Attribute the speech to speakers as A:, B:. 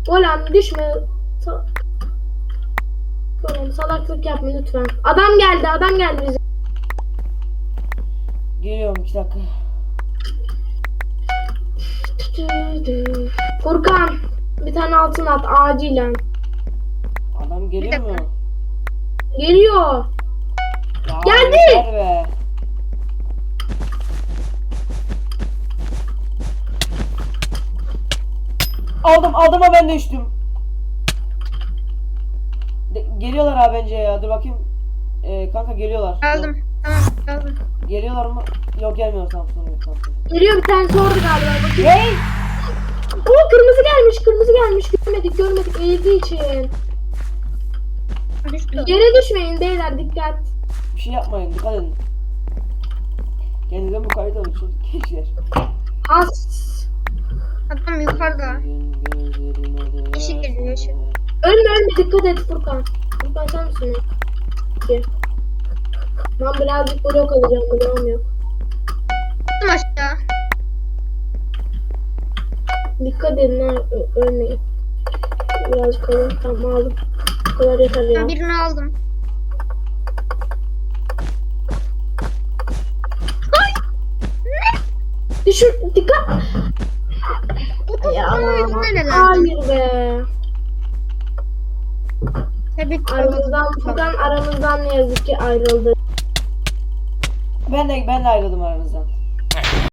A: Golem düşme. Golem salaklık yapma lütfen. Adam geldi bize.
B: Geliyorum 2 dakika.
A: Furkan bir tane altın at acilen.
B: Adam geliyor mu?
A: Geliyor.
B: Ya
A: Geldi.
B: yeter be. Aldım ama ben de düştüm. Geliyorlar abi bence ya. Dur bakayım. Kanka geliyorlar.
C: Aldım. Tamam aldım.
B: Geliyorlar mı? Yok gelmiyor tamam sorun yok tamam.
A: Geliyor bir tanesi orada galiba. Bakayım.
B: Hey!
A: Oo kırmızı gelmiş. Görmedik eğildiği için.
C: Düştü.
A: Yere düşmeyin beyler dikkat.
B: Bir şey yapmayın dikkat edin. Kendinize mukayyet olun gençler.
A: Has.
C: Adam yukarıda. Yeşil geliyor, yeşil.
A: Ölme dikkat et Furkan. Furkan sen misin? Ki. Ben birazcık blok alacağım bloğum yok.
C: Attım aşağı.
A: Dikkat edin ha ölmeyin. Birazcık alayım tamam aldım. Bu kadar yeter ya.
C: Ben birini aldım.
A: Düşür dikkat. Ya
C: neler
A: hayır be.
C: Tebrik
A: Furkan aramızdan ne yazık ki ayrıldı.
B: Ben de ayrıldım aranızdan.